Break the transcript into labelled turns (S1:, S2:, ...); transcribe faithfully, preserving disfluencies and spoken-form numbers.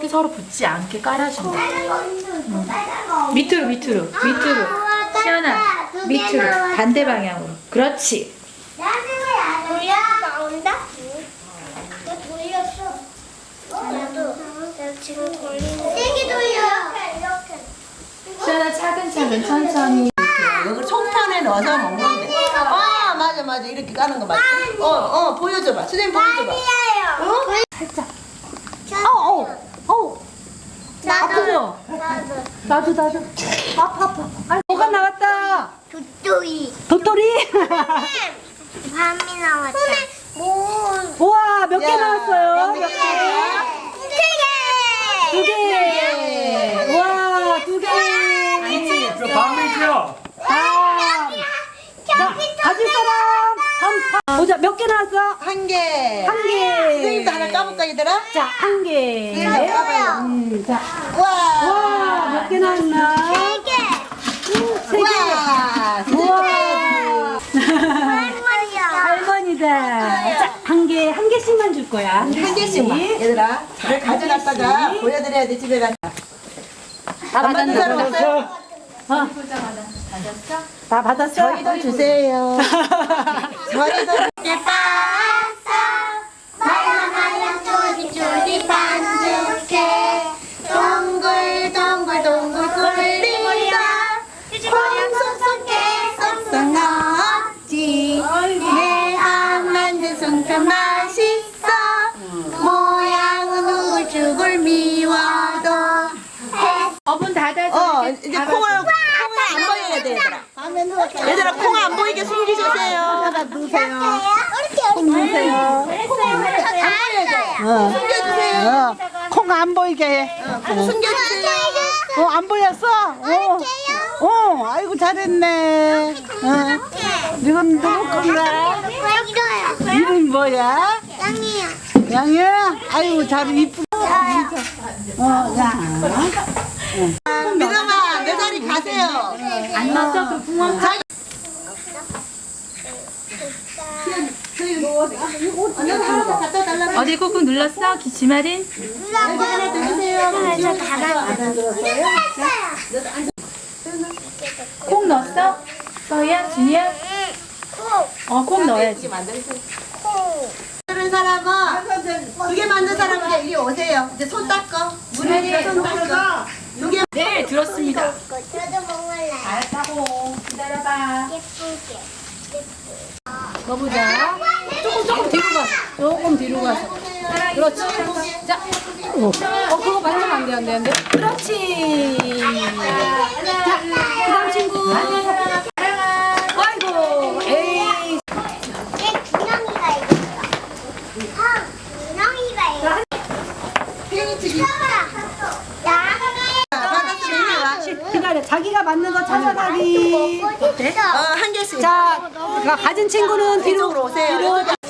S1: 이렇게 서로 붙지 않게 깔아준다. 응. 밑으로 밑으로 밑으로. 시연아 밑으로 반대 방향으로. 그렇지.
S2: 돌려 나온다? 나 돌렸어. 나도 내가 지금 돌리는. 세게 돌려. 이렇게 이렇게.
S1: 시연아 차근차근 천천히.
S3: 여기 송편에 넣어서 먹는 데. 아 맞아 맞아 이렇게 까는 거 맞아. 어어 보여줘봐. 선생님 보여줘봐.
S2: 아니에요.
S1: 살짝. 어어 어. 아프죠?
S2: 나도.
S1: 나도 나도. 아파 아파. 아, 뭐가 나왔다.
S2: 도토리.
S1: 도토리.
S2: 밤이 나왔다. 뭐?
S1: 우와 몇 개
S3: 야,
S1: 나왔어요?
S3: 몇
S1: 몇
S3: 개?
S1: 개? 두 개. 우와 두 개.
S4: 저 밤이죠?
S1: 아. 자 가질 사람 한 판. 보자 몇 개 나왔어?
S3: 한 개.
S1: 한 개.
S3: 선생님도 하나 까볼까 얘들아?
S1: 자 한 개.
S3: 선생님 까봐요.
S1: 음, 자.
S3: 와.
S1: 와 몇 개 나왔나?
S2: 세 개.
S1: 세 개.
S3: 와.
S1: 우와.
S2: 할머니야.
S1: 할머니다. 자, 한 개, 한 개씩만 줄 거야.
S3: 한 개씩만. 얘들아 잘 가져갔다가 보여드려야 돼 집에 가서.
S1: 다
S3: 안 받은 사람
S1: 받았어.
S3: 없어요?
S1: 어. 다 받았어?
S3: 저희도 주세요. 저희도
S2: 예뻐서 말랑말랑 쪼리쪼리 반죽해 동글동글 동글 굴리다 콩송송게 쏙쏙 넣었지 내가 만든 송편 맛있어 모양은 우글쭈글 미워도
S1: 어분 닫아줘.
S3: 어
S1: 이렇게
S3: 이제
S1: 닫아줘.
S3: 콩을 콩을 안 보여야 돼 얘들아. 얘들아 콩 안 보이게 숨기주세요.
S2: 넣으세요 콩 넣으세요
S3: 숨겨주세요.
S5: 콩 안 보이게.
S3: 콩 숨겨주세요.
S5: 어, 안 보였어? 어, 어, 아이고, 잘했네. 어. 이건 누구 건가? 이름 뭐야?
S2: 짱이야
S5: 양이야? 아이고, 잘 이쁘. 어, 야.
S3: 믿음아 내 자리 가세요.
S1: 안 맞아? 그 붕어.
S3: 언니 하나 더 갖다 달라고.
S1: 어디 꾹꾹 눌렀어? 기치마린?
S3: 여기 하나 더 주세요.
S1: 콩 넣었어? 너야? 준이야? 어, 콩 넣어야지.
S3: 만드는 사람은 두 개 만든 사람은 이제 이리 오세요. 이제 손 닦어. 물에 손 닦어. 두 개.
S1: 네, 들었습니다.
S2: 저도 먹을래
S1: 알았다고. 기다려봐.
S2: 예쁘게
S1: 넣어보자. 조금, 조금 뒤로 가서. 조금 뒤로 가서. 그렇지. 자. 어, 그거 만지면 안 돼, 안 돼, 안 돼. 그렇지. 자, 그 다음 친구. 아이고, 에이.
S2: 얘 준영이가 이겼어 아 준영이가 이겼어
S3: 페인트기.
S2: 야
S3: 받았으면 이리 와.
S5: 기다려. 자기가 맞는 거 찾아가기.
S3: 어, 한 개씩.
S5: 자, 가진 친구는 뒤로.
S3: 이쪽으로 오세요.
S5: 뒤로.